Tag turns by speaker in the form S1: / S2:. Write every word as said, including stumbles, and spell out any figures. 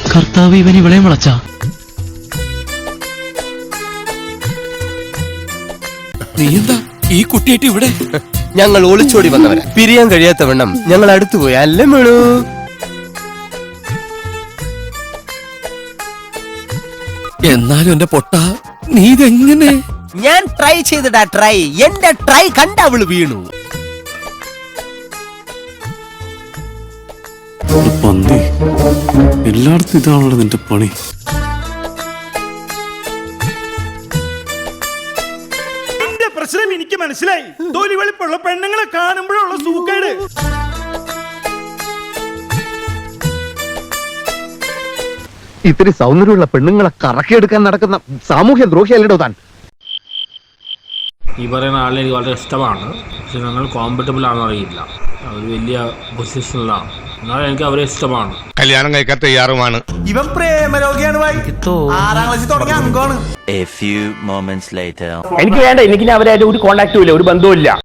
S1: കർത്താവ് ഇവൻ ഇവളെയും വളച്ചാ.
S2: നീ എന്താ ഈ കുട്ടിയായിട്ട് ഇവിടെ?
S3: ഞങ്ങൾ ഒളിച്ചോടി വന്നവരാ. പിരിയാൻ കഴിയാത്ത വണ്ണം ഞങ്ങൾ അടുത്തുപോയി. അല്ലേ മേളൂ?
S2: എന്നാലും എന്റെ പൊട്ട, നീ ഇതെങ്ങനെ?
S3: ഞാൻ ട്രൈ ചെയ്തിടാ ട്രൈ. എന്റെ ട്രൈ കണ്ട അവള് വീണു.
S4: പന്തി എല്ലായിടത്തും ഇതാണല്ലോ നിന്റെ പണി.
S5: എന്റെ പ്രശ്നം എനിക്ക് മനസ്സിലായി. തൊലി വെളുപ്പുള്ള പെണ്ണുങ്ങളെ കാണുമ്പോഴുള്ള സൂക്കേട്.
S6: ഇത്തിരി സൗന്ദര്യമുള്ള പെണ്ണുങ്ങളെ കറക്കിയെടുക്കാൻ നടക്കുന്ന സാമൂഹ്യ ദ്രോഹിയല്ലോ താൻ.
S7: ഈ പറയുന്ന ആളെ എനിക്ക് വളരെ ഇഷ്ടമാണ്. പക്ഷെ ഞങ്ങൾ കോമ്പറ്റബിൾ ആണെന്ന് അറിയില്ല. അവർ വലിയ പൊസിഷനിലാണ്. എന്നാലും എനിക്ക് അവരെ ഇഷ്ടമാണ്.
S8: കല്യാണം കഴിക്കാൻ തയ്യാറുമാണ്.
S5: ഇവൻ പ്രേമരോഗിയാണ്. ആറാം ക്ലാസ്സിൽ തുടങ്ങിയ അംഗമാണ്.
S9: A few moments later.
S6: എനിക്ക് വേണ്ട, എനിക്ക് അവരായിട്ട് ഒരു കോണ്ടാക്റ്റും ഇല്ല, ഒരു ബന്ധവും ഇല്ല.